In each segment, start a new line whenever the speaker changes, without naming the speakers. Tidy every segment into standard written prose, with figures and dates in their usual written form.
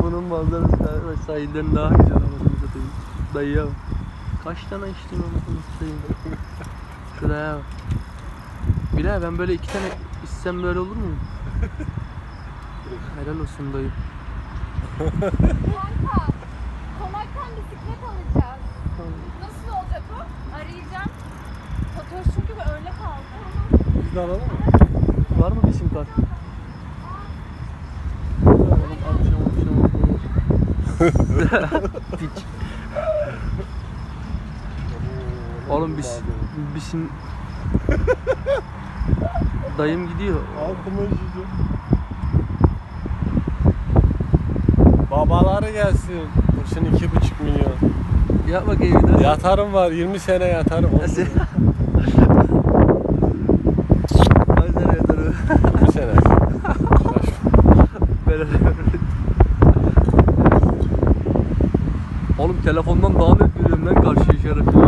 bunun manzarası ve sahilden daha güzel anasını satayım. Dayıya bak. Kaç tane içtim anasını satayım. Şuraya bak. Bilal ben böyle 2 tane içsem böyle olur mu? Helal olsun dayı.
Kanka, konaktan bisiklet alacağız. Nasıl olacak o? Arayacağım. Fatoş çünkü öyle kaldı.
Biz de alalım mı?
Var mı bir sim kart? Akşam. Piç. Oğlum bizim dayım gidiyor.
Altıma işeceğim. Babaları gelsin. Kurşun 2,5 milyon.
Yap bakayım bir daha.
Yatarım var. 20 sene yatarım.
Nasıl? Ay sen yatarım.
20 sene.
Oğlum telefondan daha net görüyorum lan karşı işareti.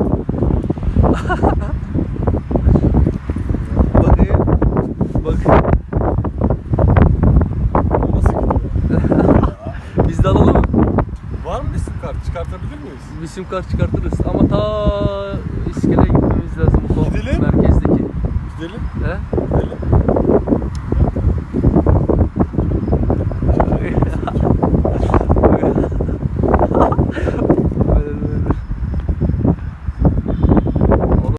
Bakayım. Bak.
Nasıl gidiyor?
Biz de alalım mı?
Var mı isim kart? Çıkartabilir miyiz?
Bir sim kart çıkartırız ama ta iskeleye gitmemiz lazım.
Gidelim.
Merkezdeki.
Gidelim.
He?
Gidelim.